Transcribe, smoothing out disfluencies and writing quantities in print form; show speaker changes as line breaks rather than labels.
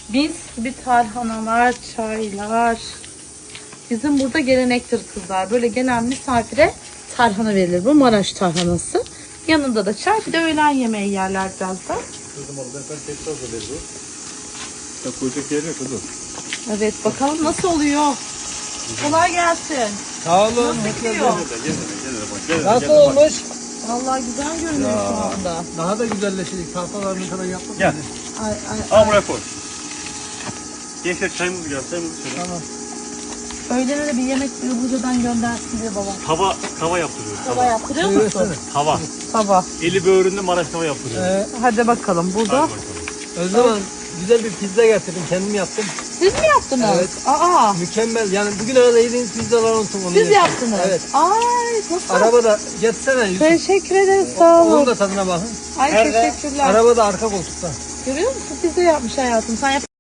Mis gibi tarhanalar, çaylar. Bizim burada gelenektir kızlar. Böyle gelen misafire tarhana verilir. Bu Maraş tarhanası. Yanında da çay, bir de öğlen yemeği yerler birazdan.
Kızım oğlum ben tekrar da veririm. Ya koyacak yer yok kızım.
Evet, bakalım nasıl oluyor. Kolay gelsin.
Sağ olun.
Nasıl gidiyor?
Nasıl olmuş?
Vallahi güzel görünüyor şu anda.
Daha da güzelleşecek. Tahtalarını falan yaptık.
Gel.
Ay,
Al buraya koy. Gençler çayımız geldi. Çayımızı söyle.
Tamam.
Öğlene de bir yemek Ilıca'dan göndersin diye babam.
Tava yaptırıyoruz.
Tava yaptırıyor musun?
Tava.
Tava.
Eli böğründe Maraş tava yaptırıyoruz.
Hadi bakalım burada.
Hadi bakalım.
Özlem güzel bir pizza getirdim. Kendim yaptım.
Siz mi yaptınız?
Evet.
Aa,
Mükemmel. Yani bugüne kadar yediğiniz pizzalar olsun. Onu
siz yaptınız.
Evet.
Ay, nasıl?
Arabada getirsene Yusuf.
Teşekkür ederiz, sağ
Onun
olun.
da tadına bakın.
Ay, teşekkürler.
Arabada arka koltukta.
Görüyor musun? Pizza yapmış hayatım. Sen